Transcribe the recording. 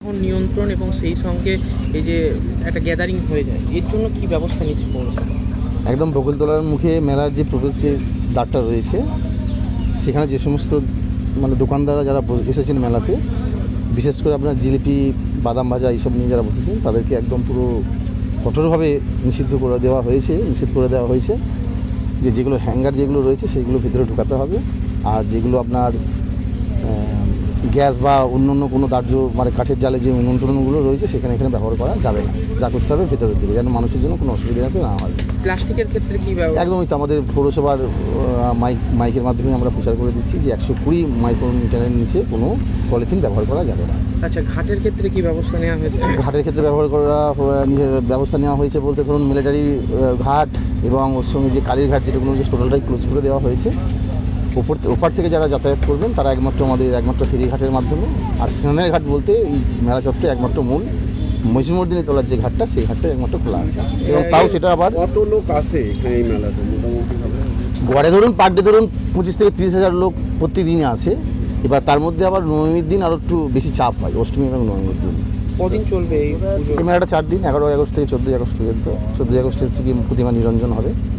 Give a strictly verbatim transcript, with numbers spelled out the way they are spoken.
এখন নিয়ন্ত্রণ এবং সেই সঙ্গে এই যে একটা গ্যাদারিং হয়ে যায়, এর জন্য কি ব্যবস্থা নিচ্ছে পৌরসভা? একদম বকুলতলার মুখে মেলার যে প্রবেশের দ্বারটা রয়েছে, সেখানে যে সমস্ত মানে দোকানদাররা যারা এসেছেন মেলাতে, বিশেষ করে আপনার জিলিপি, বাদাম ভাজা এইসব নিয়ে যারা বসেছেন, তাদেরকে একদম পুরো কঠোরভাবে নিষিদ্ধ করে দেওয়া হয়েছে নিষেধ করে দেওয়া হয়েছে যে যেগুলো হ্যাঙ্গার যেগুলো রয়েছে সেইগুলো ভিতরে ঢোকাতে হবে। আর যেগুলো আপনার গ্যাস বা অন্য অন্য কোনো দাহ্য মানে কাঠের জালে যে নিয়ন্ত্রণগুলো রয়েছে সেখানে এখানে ব্যবহার করা যাবে না, যা করতে হবে ভেতরের দিকে, যেন মানুষের জন্য কোনো অসুবিধা যাতে না হয়। প্লাস্টিকের ক্ষেত্রে কী ব্যবস্থা? একদমই তো আমাদের পৌরসভার মাইক মাইকের মাধ্যমে আমরা প্রচার করে দিচ্ছি যে একশো কুড়ি মাইক্রোমিটারের নিচে কোনো পলিথিন ব্যবহার করা যাবে না। আচ্ছা, ঘাটের ক্ষেত্রে কি ব্যবস্থা নেওয়া হয়েছে? ঘাটের ক্ষেত্রে ব্যবহার করা ব্যবস্থা নেওয়া হয়েছে বলতে ধরুন মিলিটারি ঘাট এবং ওর সঙ্গে যে কালীর ঘাট যেগুলো যে টোটালটাই ক্লোজ করে দেওয়া হয়েছে। ওপর ওপার থেকে যারা যাতায়াত করবেন তারা একমাত্র আমাদের একমাত্র ফেরিঘাটের মাধ্যমে, আর স্নানের ঘাট বলতে এই মেলা চত্বরে একমাত্র মূল মহিষমর্দিনী তোলার যে ঘাটটা সেই ঘাটটা একমাত্র খোলা আছে। এবং তাও সেটা আবার কত লোক আসে এখানে এই মেলাতে মোটামুটি? গড়ে ধরুন পার ডে ধরুন পঁচিশ থেকে তিরিশ হাজার লোক প্রতিদিনই আসে। এবার তার মধ্যে আবার নবমীর দিন আরও একটু বেশি চাপ হয়, অষ্টমী এবং নবমীর দিন। কদিন চলবে এই পুজো? এই মেলাটা চার দিন, এগারোই আগস্ট থেকে চোদ্দোই আগস্ট পর্যন্ত। চোদ্দোই আগস্ট হচ্ছে কি প্রতিমা নিরঞ্জন হবে।